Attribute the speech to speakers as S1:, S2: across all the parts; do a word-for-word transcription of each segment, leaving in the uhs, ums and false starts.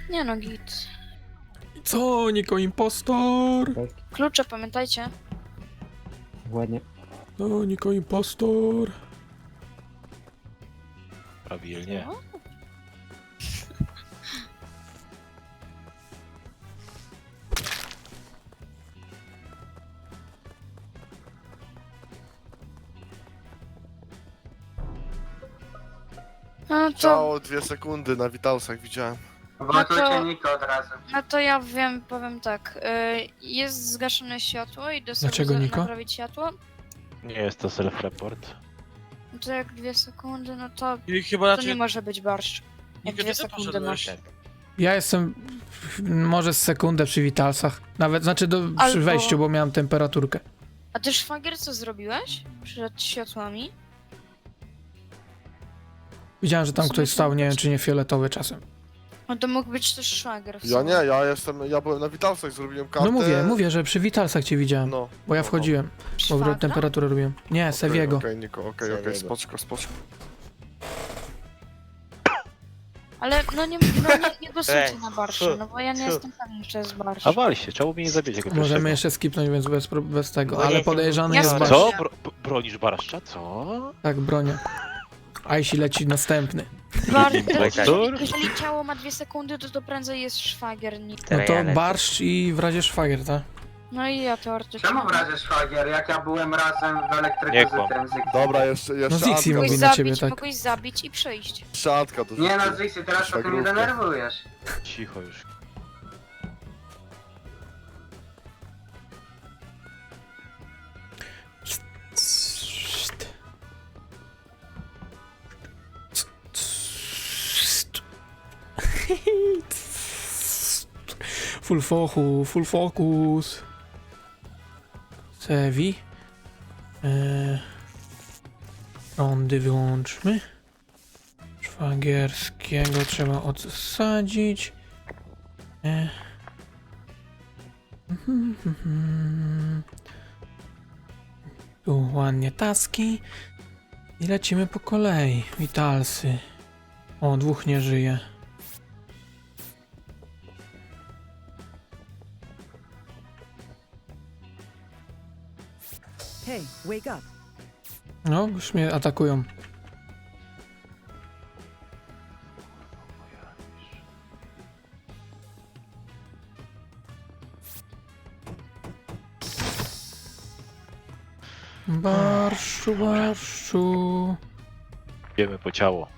S1: Nie no, git.
S2: Co, Niko impostor?
S3: Tak,
S1: Klucze, pamiętajcie.
S3: ładnie.
S2: No, Niko impostor.
S4: Prawilnie.
S1: No. No to,
S5: Ciało dwie sekundy na Witalsach widziałem.
S6: Wotujcie
S1: to-
S6: Niko od razu.
S1: no to ja wiem, powiem tak. Y, jest zgaszone światło i do sobie
S2: Dlaczego,
S1: za-
S2: Niko?
S1: naprawić światło.
S4: Nie jest to self-report.
S1: No to jak dwie sekundy, no to,
S7: I chyba
S1: to
S7: raczej...
S1: nie może być barszcz. Jak
S7: Niko,
S1: dwie
S7: ty to
S1: sekundy
S7: poszedłeś.
S1: masz.
S2: Ja jestem może z sekundę przy Witalsach. Nawet, znaczy do, przy
S1: Albo-
S2: wejściu, bo miałem temperaturkę.
S1: A ty szwagier co zrobiłeś? Przed światłami?
S2: Widziałem, że tam
S1: W sumie
S2: ktoś
S1: to
S2: stał, nie wiem
S1: być-
S2: czy nie fioletowy czasem.
S1: No to mógł być też szwagier w
S5: Ja
S1: sumie.
S5: nie, ja jestem, ja byłem na Witalsach, zrobiłem kartę.
S2: No mówię, mówię, że przy Witalsach cię widziałem,
S5: No.
S2: bo ja
S5: no,
S2: wchodziłem, bo
S1: Szwagra?
S2: temperaturę robiłem. Nie,
S5: Okej,
S2: Seviego.
S5: Okej, Niko, okej, okej,
S3: Seviego.
S5: spoczko, spoczko.
S1: Ale no nie, no nie, nie głosujcie
S4: Ej,
S1: na barszcz,
S4: co?
S1: no bo ja nie
S4: Co?
S1: jestem pewien, czy to jest barszcz.
S4: A wal się, czemu mnie nie zabijecie go
S2: Możemy
S4: pierwszego?
S2: jeszcze skipnąć, więc bez, pro- bez tego,
S3: Bo ja
S2: ale
S3: jestem-
S2: podejrzany
S1: Ja
S2: jest
S1: z-
S2: barszcz.
S4: Co? Bro b- bronisz barszcza? Co?
S2: Tak, bronię. A jeśli leci następny.
S1: Bar-
S4: Impostor?
S1: jeżeli, jeżeli ciało ma dwie sekundy, to to prędzej jest szwagier. nie-
S2: No to barszcz i w razie szwagier, tak?
S1: No i ja teoretycznie.
S6: Czemu w razie szwagier, jak ja byłem razem w elektryku
S4: Nie
S6: z
S4: kłam.
S6: tym Ziggy?
S5: Dobra, jeszcze, jeszcze
S2: No Zixi
S5: Antka,
S2: mówi
S1: Mogłeś
S2: na ciebie,
S1: zabić,
S2: tak.
S1: mogłeś zabić i przejść.
S5: jeszcze Antka do
S6: Nie no Ziggy, teraz to ty mnie
S5: Szwagrówkę.
S6: denerwujesz.
S4: Cicho już.
S2: Full focus, full focus. Sevi. Eee, rondy wyłączmy. Szwagierskiego trzeba odsadzić. Eee. Mhm, mhm. Tu ładnie taski. I lecimy po kolei. Witalsy. O, dwóch nie żyje.
S8: Hey, wake up.
S2: No, już mnie atakują. Barszczu, barszczu.
S4: Idziemy po ciało.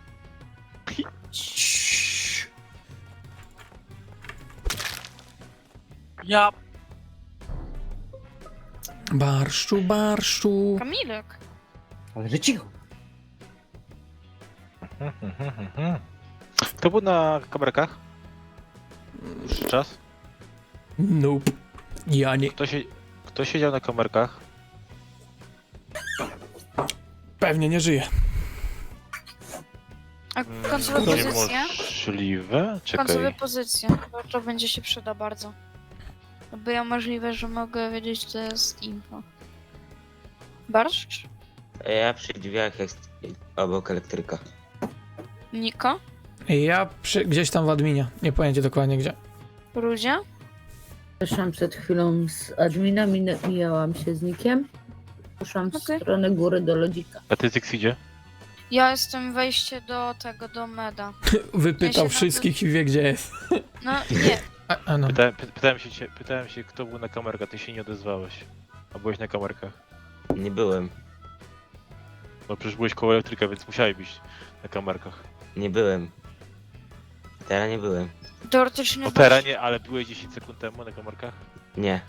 S7: Ja...
S2: Barszczu, barszczu.
S1: Kamilek.
S3: Ale że cicho.
S4: Kto był na kamerkach? Już czas?
S2: Nope. Ja nie.
S4: Kto, się... Kto siedział na kamerkach?
S2: Pewnie nie żyje.
S1: A końcowe
S4: To
S1: pozycje?
S4: niemożliwe?
S1: Końcowe
S4: Czekaj.
S1: pozycje. Bo to będzie się przyda bardzo. No bo ja możliwe, że mogę wiedzieć, co jest info. Barszcz?
S9: Ja przy drzwiach jest obok elektryka.
S1: Niko?
S2: Ja przy, gdzieś tam w adminie. Nie pojęcie dokładnie gdzie.
S1: Rudzie?
S10: Wyszłam przed chwilą z admina, min- mijałam się z Nikiem. Poszłam w
S1: Okej.
S10: stronę góry do lodzika.
S4: A ty Zix idzie?
S1: Ja jestem wejście do tego, do meda.
S2: Wypytał
S1: Ja się
S2: wszystkich i wie gdzie jest.
S1: No nie,
S2: A, a no.
S4: Pytałem, py- pytałem, się, cię- pytałem się, kto był na kamerkach, ty się nie odezwałeś. A byłeś na kamerkach.
S9: Nie byłem.
S4: No przecież byłeś koło elektryka, więc musiałeś być na kamerkach.
S9: Nie byłem. Teraz nie byłem.
S1: teoretycznie
S4: No
S1: barszcz-
S4: teraz nie, ale byłeś dziesięć sekund temu na kamerkach.
S9: Nie.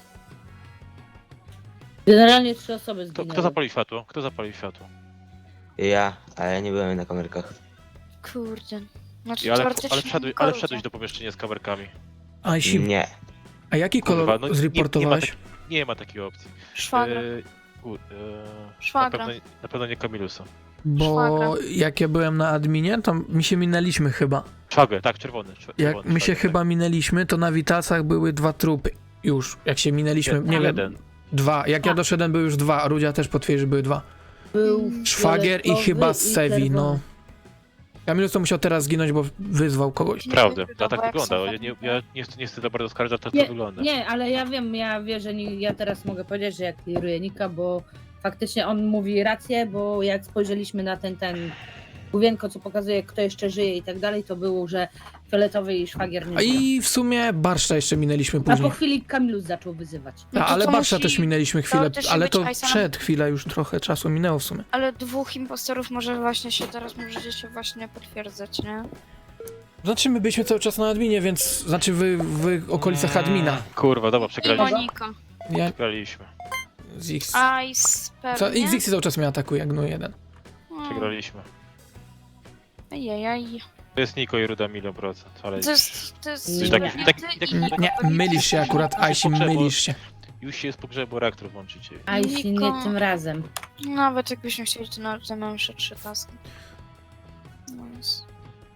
S10: Generalnie trzy osoby
S4: Kto,
S10: zginęły.
S4: kto zapalił światło? Kto zapalił światło?
S9: Ja, ale ja nie byłem na kamerkach.
S1: Kurde. Znaczy
S4: I ale,
S1: teoretycznie
S4: ale, wszedłeś,
S1: Niko
S4: ale
S1: Rudzie.
S4: wszedłeś do pomieszczenia z kamerkami.
S2: A, jeśli,
S9: Nie.
S2: a jaki kolor
S4: Kurwa, no nie-
S2: zreportowałeś?
S4: Nie, nie, ma tak, nie ma takiej opcji.
S1: Szwagra.
S4: Yy, u, yy,
S1: Szwagra.
S4: Na pewno, na pewno nie Kamilusa.
S2: Bo
S1: Szwagra.
S2: jak ja byłem na adminie, to mi się minęliśmy chyba.
S4: Szwagier, tak, czerwony. czer-
S2: Jak
S4: czerwony
S2: my się
S4: szwagier,
S2: chyba minęliśmy, to na Witalsach były dwa trupy. Już, jak się minęliśmy,
S4: Nie,
S2: nie, wiem,
S4: jeden.
S2: dwa. Jak ja doszedłem, były już dwa, a Rudzia też potwierdzi, że były dwa.
S10: Był
S2: Szwagier i
S10: fioletowy
S2: chyba
S10: i
S2: Sevi, no.
S10: czerwony.
S2: Kamilus to musiał teraz zginąć, bo wyzwał kogoś.
S1: Nie
S4: Prawda,
S1: wiem,
S4: to tak
S1: jak
S4: wygląda.
S1: są
S4: Ja nie, ja nie, nie chcę za bardzo oskarżać, to, to
S10: Nie,
S4: wygląda.
S10: nie, ale ja wiem, ja wiem, że nie, ja teraz mogę powiedzieć, że ja clearuję Nika, bo faktycznie on mówi rację, bo jak spojrzeliśmy na ten, ten główienko, co pokazuje, kto jeszcze żyje i tak dalej, to było, że fioletowy i szwagier nie
S2: A
S10: żyją.
S2: i w sumie Barszcza jeszcze minęliśmy
S10: A po
S2: później.
S10: chwili Kamilus zaczął wyzywać.
S1: No
S2: A,
S1: to
S2: ale
S1: to
S2: Barszcza
S1: musi
S2: też minęliśmy chwilę,
S1: teoretycznie
S2: ale
S1: być
S2: to
S1: Aisanem.
S2: przed chwilę już trochę czasu minęło w sumie.
S1: Ale dwóch impostorów może właśnie się teraz możecie się właśnie potwierdzać, nie?
S2: Znaczy my byliśmy cały czas na adminie, więc znaczy wy w okolicach admina.
S4: Kurwa, dobra,
S1: I
S4: przegraliśmy.
S1: Monika.
S2: Ja
S4: Przegraliśmy.
S2: z X.
S1: Ice
S2: Co,
S1: pewnie.
S2: X cały czas mnie atakuje jak Gnu jeden.
S1: Hmm.
S4: Przegraliśmy.
S1: Ejejej.
S4: To jest Niko i Ruda milion procent, ale
S1: To jest... To jest...
S10: Nie,
S4: taki-
S1: nie
S4: taki-
S1: ty
S4: taki-
S1: i
S2: Nie, nie,
S1: Niko.
S2: mylisz się akurat, Aisi, mylisz się.
S4: już się jest po grze, bo reaktor włączycie.
S10: A jeśli nie
S1: Niko.
S10: tym razem.
S1: Nawet jakbyśmy chcieli, to nawet mam jeszcze trzy taski. No więc...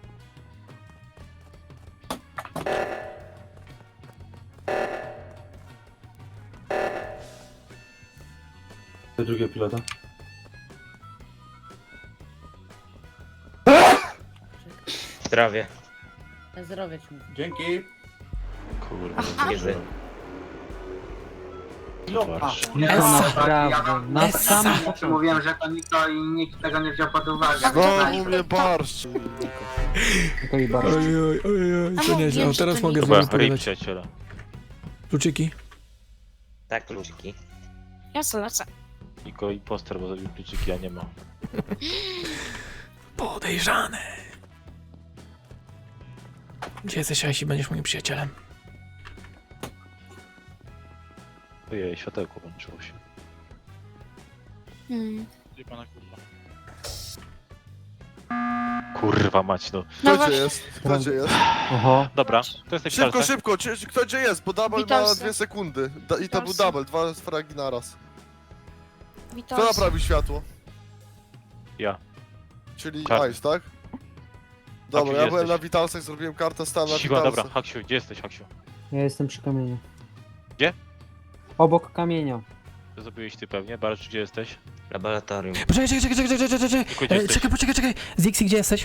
S7: Do drugiego pilota.
S9: Zdrowie.
S10: Na zdrowie ci mówię.
S7: Dzięki.
S4: Kurwa,
S1: Aha.
S9: Jerzy.
S4: zobacz.
S3: Niko
S2: Essa.
S3: naprawdę, na
S2: Essa.
S3: sam
S6: Ja ci
S3: początku.
S6: mówiłem, że to Niko i nikt tego nie wziął pod uwagę.
S5: Znowu mnie barszcz.
S3: Niko i barszcz.
S2: Oj, oj, oj, oj, to
S1: A
S2: nieźle,
S1: mówiłem,
S2: o,
S1: że
S2: teraz
S1: to
S2: mogę z
S1: Niko.
S2: wami
S4: Dobra, ryj
S2: pogadać.
S4: przyjaciela.
S2: Kluczyki?
S9: Tak, kluczyki.
S1: Ja se lecę.
S4: Niko imposter, bo zabił kluczyki, a nie ma.
S2: Podejrzane. Gdzie jesteś, Aisi? Będziesz moim przyjacielem.
S4: Ojej, światełko włączyło się.
S1: Hmm.
S4: Gdzie pana kurwa? Kurwa mać, no.
S1: No
S5: Kto gdzie
S1: właśnie.
S5: jest? Kto gdzie jest?
S3: Oho.
S4: Dobra, to jest taki
S5: Szybko,
S4: salsa.
S5: szybko, czy- kto gdzie jest? Bo double ma
S1: Witalsy.
S5: dwie sekundy. Da, I to był
S1: Witalsy.
S5: double, dwa fragi naraz.
S1: Witam.
S5: Kto naprawił światło?
S4: Ja.
S5: Czyli
S4: Czarny.
S5: Ice, tak? Dobra,
S4: gdzie
S5: ja byłem
S4: jesteś?
S5: na Witalsach, zrobiłem kartę stanu na
S4: Siła, dobra,
S5: Witalsach.
S4: Haksiu, gdzie jesteś, Haksiu?
S3: Ja jestem przy kamieniu.
S4: Gdzie?
S3: Obok kamienia.
S4: To zrobiłeś ty pewnie, Barcz, gdzie jesteś?
S9: Laboratorium.
S2: Poczekaj, czekaj, czekaj, czekaj, czekaj, czekaj,
S4: Niko, gdzie
S2: czekaj. E,
S4: jesteś?
S2: Czekaj, poczekaj, czekaj. Zixi, gdzie jesteś?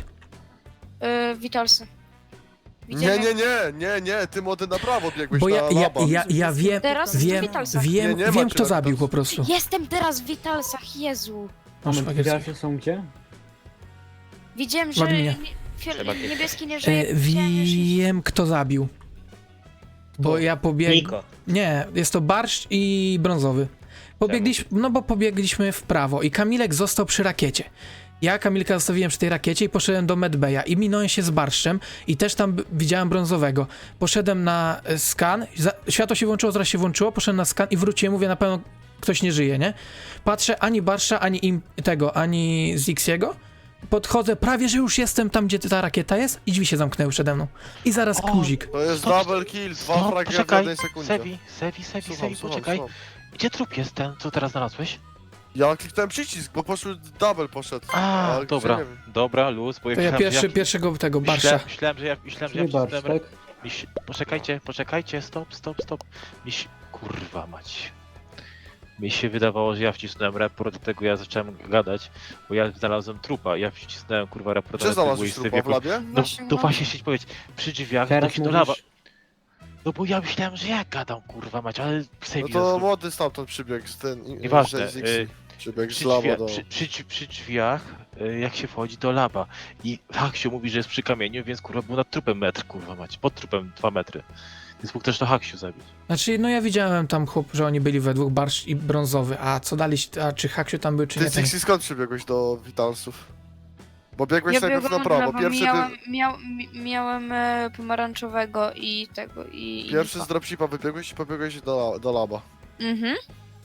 S1: Yy, Witalsy.
S5: Nie,
S1: Widziałem,
S5: nie, nie, nie, nie, ty młody na prawo biegłeś
S2: Bo
S5: na
S2: ja, ja,
S5: laba.
S2: ja, ja wiem,
S1: Teraz w
S2: wiem,
S1: Witalsach.
S2: wiem,
S5: Nie, nie ma
S2: wiem
S5: cię
S2: kto
S5: na
S2: zabił po
S5: Witalsach.
S2: prostu.
S1: Jestem teraz w Witalsach, Jezu.
S2: No, szwagier.
S3: Witalsy są gdzie?
S1: Widziałem,
S2: W
S1: że
S2: adminie.
S1: nie- fiol-
S9: Trzeba kiedyś.
S1: niebieski nie żyje.
S2: E,
S1: widziałem, że się-
S2: wiem kto zabił. Bo
S5: Kto?
S2: ja pobiegłem.
S9: Niko.
S2: Nie, jest to barszcz i brązowy. Pobiegliśmy, no bo pobiegliśmy w prawo i Kamilek został przy rakiecie. Ja Kamilka zostawiłem przy tej rakiecie i poszedłem do medbaya i minąłem się z barszczem i też tam b- widziałem brązowego. Poszedłem na e, skan, za, światło się włączyło, zaraz się włączyło, poszedłem na skan i wróciłem, mówię, na pewno ktoś nie żyje, nie? Patrzę, ani barszcza, ani im, tego, ani Zixiego. Podchodzę, prawie że już jestem tam, gdzie ta rakieta jest i drzwi się zamknęły przede mną. I zaraz
S4: O,
S2: guzik.
S5: To jest
S4: Stop,
S5: double kill, dwa
S4: Stop,
S5: fragi w
S4: poczekaj,
S5: jednej sekundzie.
S4: Sevi, Sevi, Sevi,
S5: Słucham,
S4: Sevi,
S5: słucham,
S4: poczekaj.
S5: słucham.
S4: Gdzie trup jest ten, co teraz znalazłeś?
S5: Ja kliknąłem przycisk, bo poszły double poszedł.
S4: A,
S5: Ale
S4: dobra,
S5: gdzie, nie wiem.
S4: dobra, luz, bo
S2: To ja
S4: myślałem,
S2: pierwszy,
S4: że ja,
S2: pierwszego tego
S4: myślałem,
S2: barsza.
S4: myślałem, że ja, myślałem, że ja
S3: Czyli barszcz,
S4: wcisnąłem...
S3: tak?
S4: Miś... Poczekajcie, poczekajcie, stop, stop, stop. Mi się... Kurwa mać. Mi się wydawało, że ja wcisnąłem report, dlatego ja zacząłem gadać, bo ja znalazłem trupa, ja wcisnąłem kurwa report,
S5: Gdzie
S4: ale to było
S5: znalazłeś
S4: miejsce
S5: trupa w
S4: wieku.
S5: labie?
S4: No,
S1: Właśnie,
S4: no
S1: no.
S4: właśnie chcieć powiedzieć, przy drzwiach,
S3: Teraz
S4: tak do lawa.
S3: mówisz...
S4: No bo ja myślałem, że ja gadam kurwa mać, ale
S5: No
S4: Sevi
S5: to młody stamtąd przybiegł z ten...
S4: Nieważne,
S5: z Zixi.
S4: y,
S5: Przybiegł z
S4: przy,
S5: laba
S4: drzwi,
S5: do...
S4: przy, przy, przy drzwiach, y, jak się wchodzi do laba i Haksiu mówi, że jest przy kamieniu, więc kurwa był nad trupem metr, kurwa mać, pod trupem dwa metry. Więc mógł też to Haksiu zabić.
S2: Znaczy, no ja widziałem tam chłop, że oni byli we dwóch, barszcz i brązowy, a co dali, a czy Haksiu tam był, czy
S5: Ty
S2: nie, to nie.
S5: Zixi skąd przybiegłeś do Witalsów? Bo biegłeś
S1: Ja
S5: najpierw na
S1: biegłam w
S5: prawo,
S1: lewo,
S5: pierwszy,
S1: miałem,
S5: ty,
S1: miał, mi- miałem e, pomarańczowego i tego, i... i
S5: pierwszy
S1: Niko.
S5: z dropshipa wybiegłeś i pobiegłeś do, do laba.
S1: Mhm.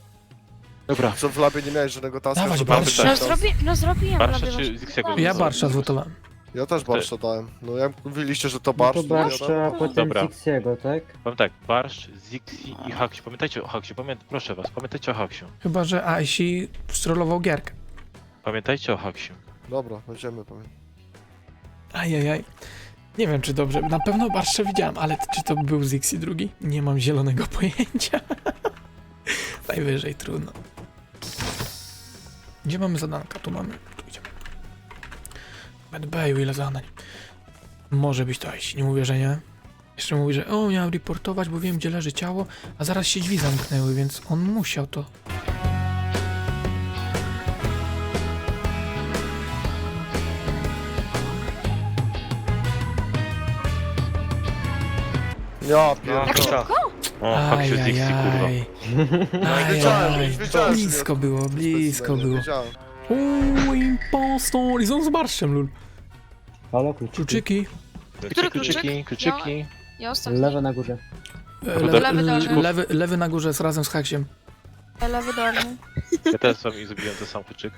S4: Dobra,
S5: Co w labie nie miałeś żadnego taska,
S2: Dawać
S5: żeby
S2: barszcza.
S1: No,
S5: wybiegł tam.
S1: zrobi, no zrobiłem.
S4: Barsza
S1: robię
S4: czy
S1: właśnie
S4: Zixiego
S1: tak.
S2: Ja
S4: Dobra.
S2: barszcza zwotowałem.
S5: Ja też barsza dałem. No jak mówiliście, że to
S3: No
S5: barsz,
S3: to
S5: to ja
S3: barszcza, a
S5: dałem.
S3: potem
S4: Dobra.
S3: Zixiego, tak?
S4: powiem tak, Barszcz, Zixi i Haksiu. Pamiętajcie o Haksiu, pamię... proszę was, pamiętajcie o Haksiu.
S2: Chyba, że Aisi strollował gierkę.
S4: Pamiętajcie o Haksiu.
S5: Dobra, będziemy pamiętać.
S2: Ajajaj. Nie wiem, czy dobrze. Na pewno barszcza widziałem, ale czy to był Zixi drugi? Nie mam zielonego pojęcia. Najwyżej trudno. Gdzie mamy zadanka? Tu mamy. Tu idziemy. Medbayu, ile zadań? Może być to iść, nie mówię, że nie. Jeszcze mówi, że o, miałem reportować, bo wiem, gdzie leży ciało, a zaraz się drzwi zamknęły, więc on musiał to.
S5: Ja
S9: No,
S5: pierdolę.
S1: Tak
S9: to-
S1: szybko?
S4: O, fuck się z Dixie, kurwa.
S2: Ajajaj.
S5: Wiedziałem,
S2: Ajajaj.
S5: wiedziałem, że
S2: Blisko
S5: nie-
S2: było, blisko było.
S5: Wiedziałem.
S2: Uuu, impostor! I są z barszczem, lul.
S3: Halo, kluczyki.
S2: Kluczyki.
S1: Który
S4: Kluczyki, kluczyki.
S1: Ja ostatni.
S3: Lewe na górze.
S2: E,
S4: Lewy,
S2: Lewy,
S1: lewy,
S2: lewy, lewy, lewy na górze z razem z haksiem.
S1: Lewy dolny.
S4: Ja też sobie zrobiłem ten sam kluczyk.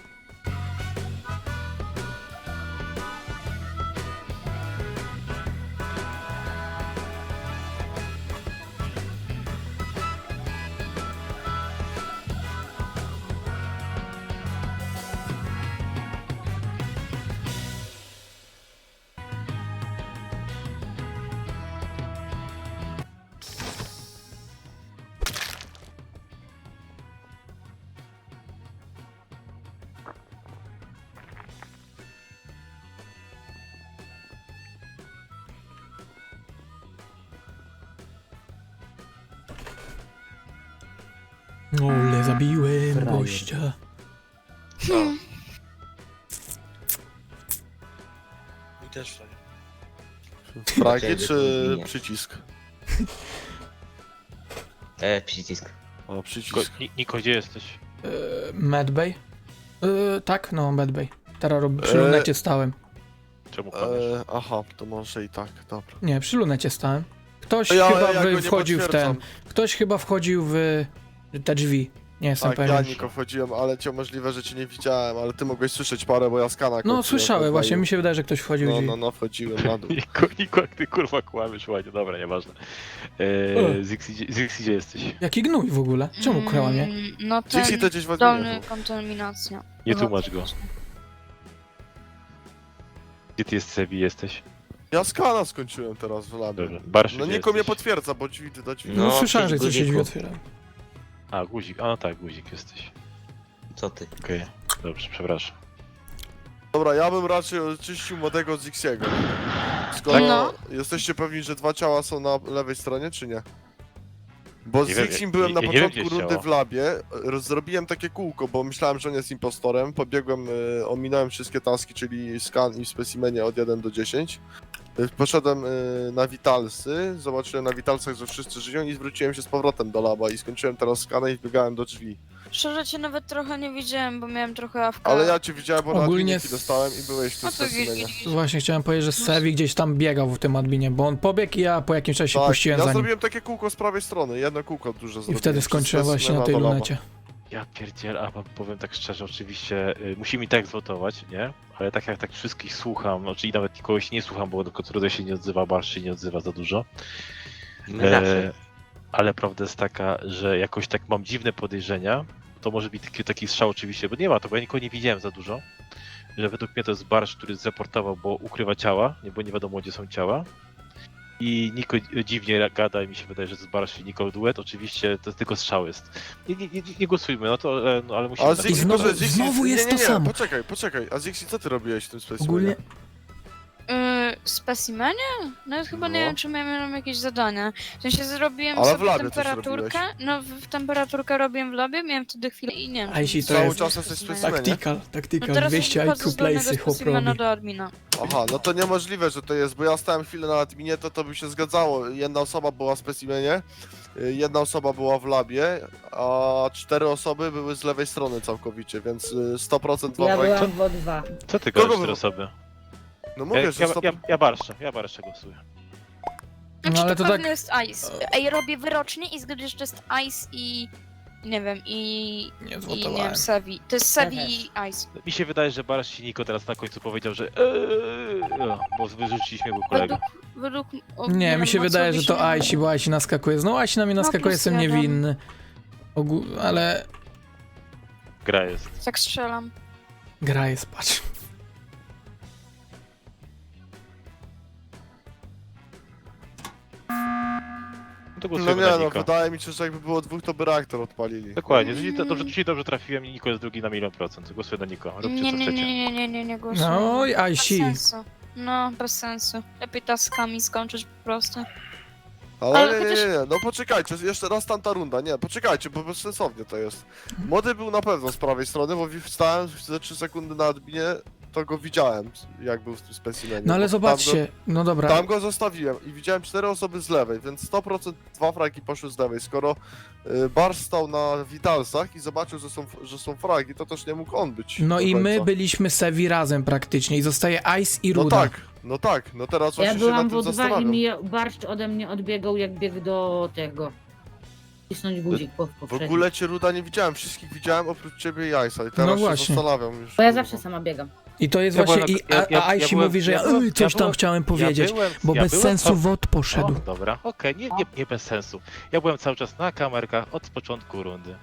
S2: Ole, zabiłem
S3: Frajer.
S2: gościa.
S5: Mi też to nie. Fragi
S9: Chciałem,
S5: czy
S9: żeby- nie.
S5: przycisk?
S9: E, przycisk.
S5: O,
S4: Ko-
S5: przycisk.
S4: Ni- Niko, gdzie jesteś?
S2: E, Medbay? E, tak, no, Medbay. Teraz rob, przy
S5: E,
S2: lunecie stałem.
S4: Czemu kłamiesz?
S5: E, aha, to może i tak, dobra.
S2: Nie, przy lunecie stałem. Ktoś
S5: Ja-
S2: chyba
S5: ja
S2: wy,
S5: go nie
S2: wchodził w ten.
S5: potwierdzam.
S2: Ktoś chyba wchodził w te drzwi. Nie jestem
S5: Tak,
S2: pewien.
S5: ja Niko wchodziłem, ale cię możliwe, że cię nie widziałem, ale ty mogłeś słyszeć parę, bo ja skana
S2: No,
S5: kończyłem
S2: słyszałem
S5: po
S2: właśnie,
S5: dwaju.
S2: mi się wydaje, że ktoś wchodził w
S5: No,
S2: drzwi.
S5: no, no, wchodziłem na dół.
S4: Niko, Niko, jak ty kurwa kłamiesz, ładnie, dobra, nieważne. Eee,
S2: E.
S4: Zixi, gdzie- Zixi, gdzie jesteś?
S2: Jaki gnój w ogóle? Czemu kłamie?
S1: Mm, No ten
S5: Dixie to gdzieś w
S1: dolny
S5: adminie.
S1: kontaminacja.
S4: Nie tłumacz go. Gdzie ty jest, Sebi, jesteś?
S5: Ja skana skończyłem teraz w labie.
S4: Dobra, Barszy,
S5: No
S4: gdzie
S5: Niko mnie
S4: jesteś?
S5: potwierdza, bo drzwi do drzwi.
S2: No,
S9: No,
S2: słyszałem, że
S9: przy
S2: coś się drzwi
S9: guziku.
S2: otwiera.
S4: A, guzik, a no tak, guzik jesteś.
S9: Co ty?
S4: Okej, dobrze, przepraszam.
S5: Dobra, ja bym raczej oczyścił młodego Zixiego. Skoro
S1: No.
S5: jesteście pewni, że dwa ciała są na lewej stronie, czy nie? Bo z
S4: Nie wiem,
S5: Zixim
S4: ja-
S5: byłem na
S4: ja nie wiem,
S5: początku
S4: gdzie jest
S5: rundy
S4: ciało.
S5: w labie, roz- zrobiłem takie kółko, bo myślałem, że on jest impostorem, pobiegłem, y, ominąłem wszystkie taski, czyli scan i w specimenie od jeden do dziesięciu. Y, Poszedłem y, na Vitalsy, zobaczyłem na Vitalsach, że wszyscy żyją i zwróciłem się z powrotem do laba i skończyłem teraz skanę i wbiegałem do drzwi.
S1: Szczerze cię nawet trochę nie widziałem, bo miałem trochę awka.
S5: Ale ja cię widziałem, bo
S2: Ogólnie
S5: Ogólnie
S2: s-
S5: dostałem i byłeś tu
S1: No
S5: w
S1: to
S5: specimenie.
S1: gdzieś-
S2: Właśnie chciałem powiedzieć, że Sevi gdzieś tam biegał w tym adminie, bo on pobiegł i ja po jakimś czasie
S5: Tak,
S2: puściłem
S5: ja
S2: za nim.
S5: zrobiłem takie kółko z prawej strony, jedno kółko duże
S2: I
S5: zrobiłem.
S2: wtedy
S5: przez
S2: skończyłem właśnie na
S5: specimena
S2: tej
S5: do laba.
S2: lunecie.
S4: Ja pierdziel, a wam powiem tak szczerze, oczywiście y, musimy i tak zwotować, nie? Ale tak jak tak wszystkich słucham, no, czyli nawet kogoś nie słucham, bo tylko Trude się nie odzywa, Barsz się nie odzywa za dużo.
S9: My zawsze.
S4: E, ale prawda jest taka, że jakoś tak mam dziwne podejrzenia. To może być taki, taki strzał oczywiście, bo nie ma to, bo ja nikogo nie widziałem za dużo. Że według mnie to jest Barsz, który zreportował, bo ukrywa ciała, nie, bo nie wiadomo gdzie są ciała. I Niko dziwnie gada i mi się wydaje, że to jest Barsz i Niko duet. Oczywiście to tylko strzał jest. Nie, nie, nie, nie głosujmy, no to, e, no, ale musimy...
S5: A
S4: na-
S5: Zixi,
S2: znowu-
S5: może Zixi-
S2: znowu jest
S5: nie, nie,
S2: to
S5: nie,
S2: samo.
S5: Poczekaj, poczekaj. A Zixi, co ty robiłeś w tym specimenie?
S2: Ogólnie
S1: Yy, specimenie? Nawet chyba nie
S5: No.
S1: wiem, czy miałem jakieś zadania. W sensie zrobiłem
S5: Ale w
S1: sobie
S5: labie coś
S1: temperaturkę. No, w, w temperaturkę robiłem w labie, miałem wtedy chwilę i nie wiem.
S2: A jeśli
S1: czy
S2: to
S5: Cały
S2: jest-
S5: czas jesteś
S1: specimenie.
S5: specimenie?
S2: tactical,
S1: No
S2: tactical,
S1: teraz
S2: dwieście
S1: wchodzę
S2: I Q
S1: z dolnego
S2: place'y chłop
S1: specimena
S2: robi.
S1: do admina.
S5: Aha, no to niemożliwe, że to jest, bo ja stałem chwilę na adminie, to to by się zgadzało. Jedna osoba była w specimenie, y, jedna osoba była w labie, a cztery osoby były z lewej strony całkowicie, więc y, sto procent
S10: Ja
S5: dwa-
S10: byłam w O dwa.
S4: Co ty
S5: Kogo
S4: gadasz
S5: wy-
S4: cztery osoby?
S5: No
S4: Ja,
S5: mówię,
S4: ja,
S5: że sto...
S4: ja, ja Barszcza, ja Barszcza głosuję.
S1: Znaczy,
S2: No, ale
S1: to
S2: to
S1: pewnie
S2: tak-
S1: jest ice. Ej, robię wyrocznie i zgaduję, że to jest ice i... Nie wiem, i...
S2: Nie
S1: I nie
S2: zwotowałem.
S1: wiem, Sevi. To jest
S10: Ja
S1: Sevi
S10: też.
S1: i ice.
S4: Mi się wydaje, że Barsz i Niko teraz na końcu powiedział, że eee, o, bo wyrzuciliśmy jego kolegę.
S1: Według... Według o,
S2: Nie, mi
S1: wiem,
S2: się wydaje,
S1: Macowi
S2: że
S1: się
S2: to
S1: nie
S2: Aisi, bo Aisi naskakuje. No Aisi na mnie
S1: No,
S2: naskakuje,
S1: plus
S2: jestem
S1: jeden.
S2: niewinny. Ogół, ale
S4: Gra jest.
S1: Tak strzelam.
S2: gra jest, patrz.
S4: To
S5: No
S4: głosujemy
S5: nie
S4: na
S5: no,
S4: Niko.
S5: wydaje mi się, że jakby było dwóch, to by reaktor odpalili.
S4: Dokładnie, czyli to, dobrze, czyli dobrze trafiłem, Niko jest drugi na milion procent. Głosuję na Niko, róbcie
S1: Nie,
S4: co
S1: nie,
S4: chcecie.
S1: nie, nie, nie, nie, nie głosuję.
S2: No,
S1: Bez
S2: Ajsi.
S1: sensu. No, bez sensu. Lepiej taskami skończyć po prostu.
S5: Ale,
S1: Ale
S5: nie, nie,
S1: chociaż-
S5: nie, nie, no poczekajcie, jeszcze raz tamta runda, nie, poczekajcie, bo bezsensownie to jest. Młody był na pewno z prawej strony, bo wstałem ze trzy sekundy na adminie, to go widziałem, jak był w tym specimenie.
S2: No ale
S5: bo tam
S2: zobaczcie, no
S5: Go,
S2: dobra.
S5: tam go zostawiłem i widziałem cztery osoby z lewej, więc sto procent dwa fragi poszły z lewej. Skoro y, Barsz stał na Vitalsach i zobaczył, że są, że są fragi, to też nie mógł on być.
S2: No
S5: do
S2: i my
S5: końca.
S2: byliśmy Sevi razem praktycznie i zostaje Ice i
S5: No
S2: Ruda.
S5: tak, no tak, no teraz
S10: Ja
S5: właśnie się
S10: byłam
S5: nad
S10: w
S5: tym
S10: O dwa i
S5: zastanawiam.
S10: mi barszcz ode mnie odbiegał, jak biegł do tego. Cisnąć guzik po,
S5: W
S10: poprzednim.
S5: ogóle cię Ruda nie widziałem, wszystkich widziałem oprócz ciebie i Ice'a i teraz
S2: No
S5: się
S2: właśnie.
S5: zastanawiam już.
S10: Bo ja
S5: kurwa.
S10: zawsze sama biegam.
S2: I to jest
S4: Ja
S2: właśnie,
S4: byłem-
S2: i,
S4: ja-
S2: a,
S4: ja-
S2: a
S4: ja
S2: Icy
S4: byłem-
S2: mówi, że
S4: ja byłem-
S2: "Ej, coś
S4: ja
S2: tam
S4: byłem-
S2: chciałem powiedzieć,
S4: ja byłem,
S2: bo
S4: ja
S2: bez
S4: byłem
S2: sensu
S4: cał-
S2: wod poszedł.
S4: O, dobra, okej, nie, nie, nie bez sensu. Ja byłem cały czas na kamerkach od początku rundy.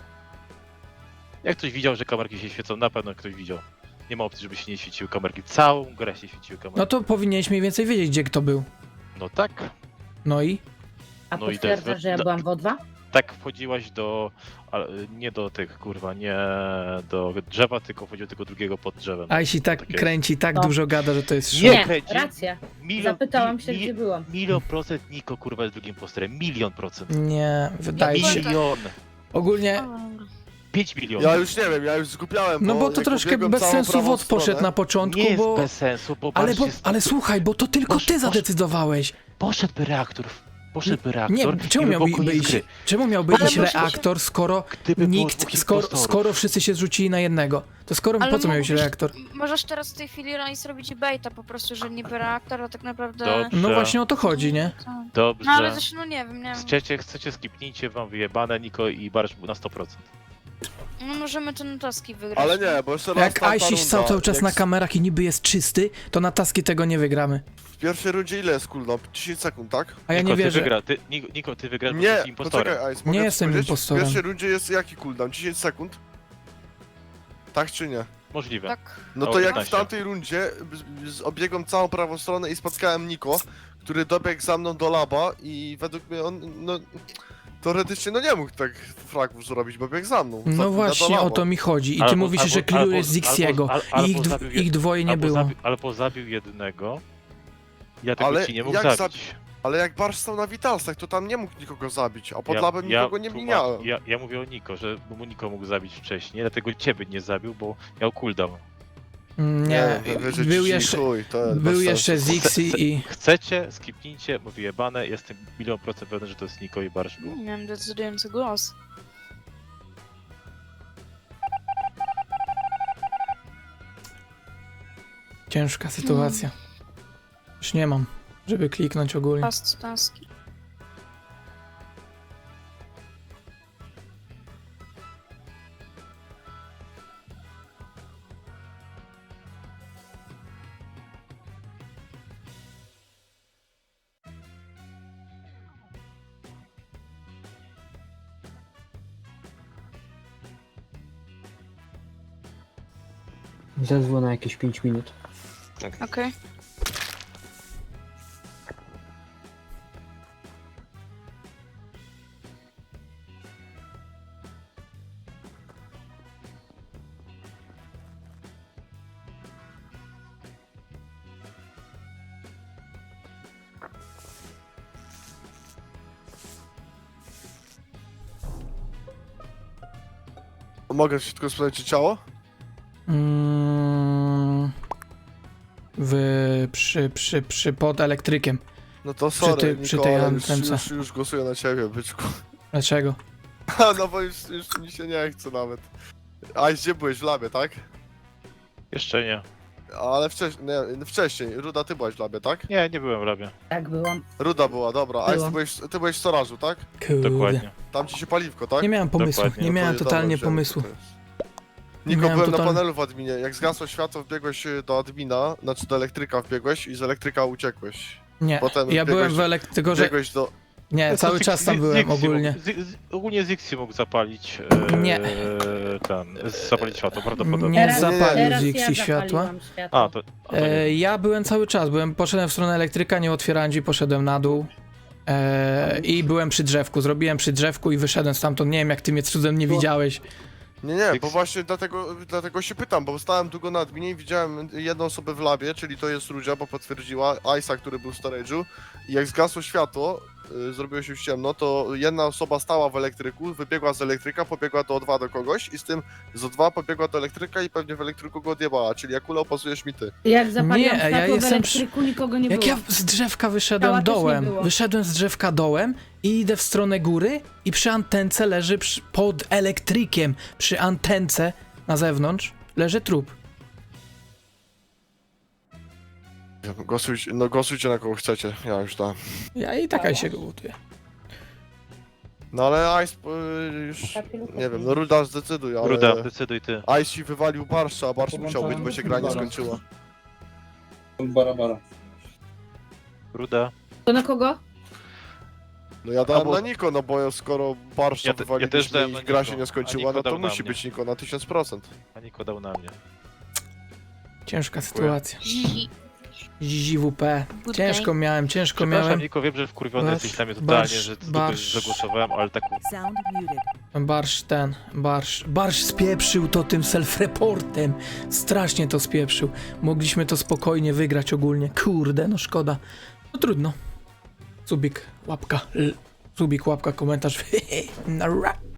S4: Jak ktoś widział, że kamerki się świecą, na pewno ktoś widział. Nie ma opcji, żeby się nie świeciły kamerki. Całą grę się świeciły kamerki.
S2: No to powinieneś mniej więcej wiedzieć, gdzie kto był.
S4: No tak,
S2: No i?
S10: A
S4: No i to jest-
S10: potwierdzasz, że ja
S4: no-
S10: byłam w O dwa?
S4: tak wchodziłaś do... Ale nie do tych, kurwa, nie do drzewa, tylko wchodziło tylko drugiego pod drzewem.
S2: Icy tak
S4: Tak jest.
S2: kręci, tak
S10: No.
S2: dużo gada, że to jest szok.
S4: Nie
S10: Nie,
S4: kręci.
S10: racja.
S4: Milion,
S10: Zapytałam
S4: mi-
S10: się,
S4: mi-
S10: gdzie byłam.
S4: Milion procent Niko, kurwa, jest drugim posterem. Milion procent.
S2: Nie, wydaje
S1: Ja
S2: się.
S4: Milion.
S2: Ogólnie,
S4: Pięć milionów.
S5: Ja już nie wiem, ja już zgubiałem,
S2: no bo to
S5: jak
S2: troszkę
S5: pobiegłem
S2: bez
S5: całą
S2: sensu
S5: prawą
S2: wod poszedł
S5: stronę,
S2: na początku,
S4: Nie jest
S2: bo...
S4: bez sensu, bo
S2: Ale,
S4: Barsz
S2: bo,
S4: jest...
S2: ale słuchaj, bo to tylko
S4: Posz-
S2: ty
S4: posz-
S2: zadecydowałeś.
S4: Poszedłby reaktor. Poszedłby reaktor.
S2: Nie, czemu
S4: i by
S2: miałby
S4: było koniec
S2: iść,
S4: gry.
S2: czemu miałby
S1: Ale
S2: iść
S1: może się-
S2: reaktor, skoro
S4: Gdyby było
S2: nikt,
S4: dwóch
S2: skoro,
S4: impostorów.
S2: skoro wszyscy się zrzucili na jednego? To skoro,
S1: Ale
S2: po co miał iść
S1: mógłbyś-
S2: reaktor?
S1: Możesz teraz w tej chwili Rise robić baita po prostu, że niby reaktor, a tak naprawdę...
S4: Dobrze.
S2: No właśnie o to chodzi, nie?
S1: Tak.
S4: Dobrze.
S1: No ale też, no nie wiem, nie wiem.
S4: Chcecie, chcecie, skipnijcie, wam wyjebane, Niko i Barsz na sto procent.
S1: No możemy ten taski wygrać.
S5: Ale nie, bo jeszcze raz
S2: Jak
S5: tamta
S2: Ice stał
S5: runda,
S2: cały czas
S5: jak
S2: na
S5: s-
S2: kamerach i niby jest czysty, to na taski tego nie wygramy.
S5: W pierwszej rundzie ile jest cooldown? dziesięć sekund, tak?
S2: A ja
S4: Niko,
S2: nie
S4: ty
S2: wierzę.
S4: wygra, ty, Niko, Niko, ty wygrasz, bo
S5: Nie,
S4: jesteś impostorem.
S5: poczekaj Ice, mogę
S2: Nie
S5: ci
S2: jestem
S5: powiedzieć?
S2: impostorem.
S5: W pierwszej rundzie jest jaki cooldown? dziesięć sekund? Tak czy nie?
S4: Możliwe.
S1: Tak.
S5: No
S4: O,
S5: to jak w
S4: piętnaście.
S5: tamtej rundzie z- z- obiegłem całą prawą stronę i spotkałem Niko, który dobiegł za mną do laba i według mnie on, no... Teoretycznie no nie mógł tak fragów zrobić, bo biegł za mną.
S2: No
S5: Za-
S2: właśnie
S5: za
S2: o
S5: laba.
S2: to mi chodzi. I ty
S4: Albo-
S2: mówisz,
S4: albo-
S2: że
S4: albo-
S2: klirujesz Zixiego
S4: albo-
S2: i
S4: albo
S2: ich, dw-
S4: zabił-
S2: ich dwoje nie
S4: albo
S2: było.
S4: Zabił, albo zabił jednego. Ja tego
S5: Ale
S4: ci nie mógł
S5: jak
S4: zabić.
S5: Ale jak Barsz stał na Vitalsach, to tam nie mógł nikogo zabić, a pod
S4: Ja-
S5: labem
S4: ja
S5: nikogo nie
S4: tłumacz-
S5: minąłem.
S4: Ja, ja mówię o Niko, że mu Niko mógł zabić wcześniej, dlatego ciebie nie zabił, bo miał cooldown.
S2: Mm, Nie,
S5: wy- wyżej
S2: był
S5: ci
S2: jeszcze,
S5: chuj, to jest
S2: był
S5: bez
S2: jeszcze
S5: sensu.
S2: Zixi i...
S4: Chcecie, skipnijcie, bo wyjebane, jestem milion procent pewny, że to jest Niko i Barsz był.
S1: Miałem decydujący głos.
S2: Ciężka sytuacja. Już nie mam, żeby kliknąć ogólnie.
S1: Fast taski.
S3: Zezwól na jakieś pięć minut.
S1: Okej.
S5: Mogę się tylko sprawdzić ciało?
S2: Mm, w, przy, przy, przy, pod elektrykiem.
S5: No to
S2: Przy
S5: sorry,
S2: tej-
S5: Niko,
S2: przy tej
S5: ale
S2: antence.
S5: już, już, już głosuję na ciebie, byczku.
S2: Dlaczego?
S5: No bo już, już mi się nie chce nawet. A gdzie byłeś? W labie, tak?
S4: Jeszcze nie.
S5: Ale wcześniej, nie, wcześniej. Ruda, ty byłaś w labie, tak?
S4: Nie, nie byłem w labie.
S10: Tak byłam.
S5: Ruda była, dobra. A ty
S10: Byłam.
S5: byłeś, ty byłeś w storażu, tak?
S2: Kurde.
S4: Dokładnie.
S5: Tam ci się paliwko, tak?
S2: Nie miałem pomysłu,
S4: Dokładnie.
S2: nie
S5: No to
S2: miałem
S5: jest-
S2: totalnie
S5: dobra, wziąłem, co
S2: pomysłu.
S5: to jest.
S2: Nie
S5: Niko,
S2: miałem
S5: byłem na
S2: totalnie-
S5: panelu w adminie. Jak zgasło światło, wbiegłeś y, do admina, znaczy do elektryka wbiegłeś i z elektryka uciekłeś.
S2: Nie,
S5: Potem
S2: ja byłem
S5: biegłeś-
S2: w elektryku, tylko że...
S5: Biegłeś do...
S2: Nie,
S4: To
S2: cały
S4: Zix-
S2: czas tam
S4: Zix-
S2: byłem
S4: Zixi
S2: ogólnie.
S4: Mógł, Z, z, ogólnie Zixi mógł zapalić. E,
S2: Nie.
S4: Ten, zapalić światło, prawdopodobnie.
S2: Nie
S10: Teraz-
S2: zapalił
S10: Teraz
S2: Zixi
S10: ja
S2: światła.
S10: zapaliłam światło.
S4: A, to. A, to nie.
S2: E, ja byłem cały czas, byłem, poszedłem w stronę elektryka, nie otwierałem drzwi, poszedłem na dół. Eee, I byłem przy drzewku, zrobiłem przy drzewku i wyszedłem stamtąd. Nie wiem, jak ty mnie cudem nie widziałeś.
S5: Nie, nie, bo
S4: Fix.
S5: właśnie dlatego, dlatego się pytam, bo stałem długo na adminie i widziałem jedną osobę w labie, czyli to jest Rudzia, bo potwierdziła, Isa, który był w storage'u i jak zgasło światło, y, zrobiło się już ciemno, to jedna osoba stała w elektryku, wybiegła z elektryka, pobiegła do O dwa do kogoś i z tym z O dwa pobiegła do elektryka i pewnie w elektryku go odjebała, czyli Jakula opasujesz mi ty.
S10: Jak zapaliłam
S2: Nie, ja
S10: światło w
S2: jestem przy-
S10: elektryku, nikogo nie
S2: Jak
S10: było.
S2: ja z drzewka wyszedłem
S10: Ciała też nie
S2: dołem,
S10: było.
S2: wyszedłem z drzewka dołem i idę w stronę góry i przy antence leży przy, pod elektrykiem, przy antence na zewnątrz leży trup.
S5: Głosujcie, no głosujcie na kogo chcecie, ja już dałem.
S2: Ja i taka się go buduję.
S5: No ale Ice y, już, nie wiem, no Ruda zdecyduj, ale...
S4: Ruda, decyduj ty.
S5: Ice ci wywalił Barsza, a Barsz musiał być, bo się gra nie skończyła.
S7: Bara, bara.
S4: Ruda.
S10: To na kogo?
S5: No ja dałem
S4: Albo-
S5: na Niko, no bo skoro Barsza
S4: Ja te- ja
S5: wywaliliśmy
S4: też dałem
S5: i
S4: na
S5: gra
S4: Niko,
S5: się nie
S4: a
S5: skończyła,
S4: Niko
S5: no to
S4: dał na
S5: musi
S4: mnie.
S5: być Niko na tysiąc procent.
S4: A Niko dał na mnie.
S2: Ciężka sytuacja.
S1: Zizi.
S2: Z W P.
S1: Good
S2: Ciężko
S1: day.
S2: miałem, ciężko
S4: Przepraszam
S2: miałem.
S4: Niko, wiem, że wkurwiony
S2: Barsz,
S4: jesteś na mnie totalnie,
S2: barsz,
S4: że z
S2: barsz.
S4: dupy zagłosowałem, ale tak
S8: Sound muted.
S2: Barsz ten, barsz. Barsz spieprzył to tym self-reportem. Strasznie to spieprzył. Mogliśmy to spokojnie wygrać ogólnie. Kurde, no szkoda. No trudno. Subik, łapka. L. Subik, łapka, komentarz. Nara.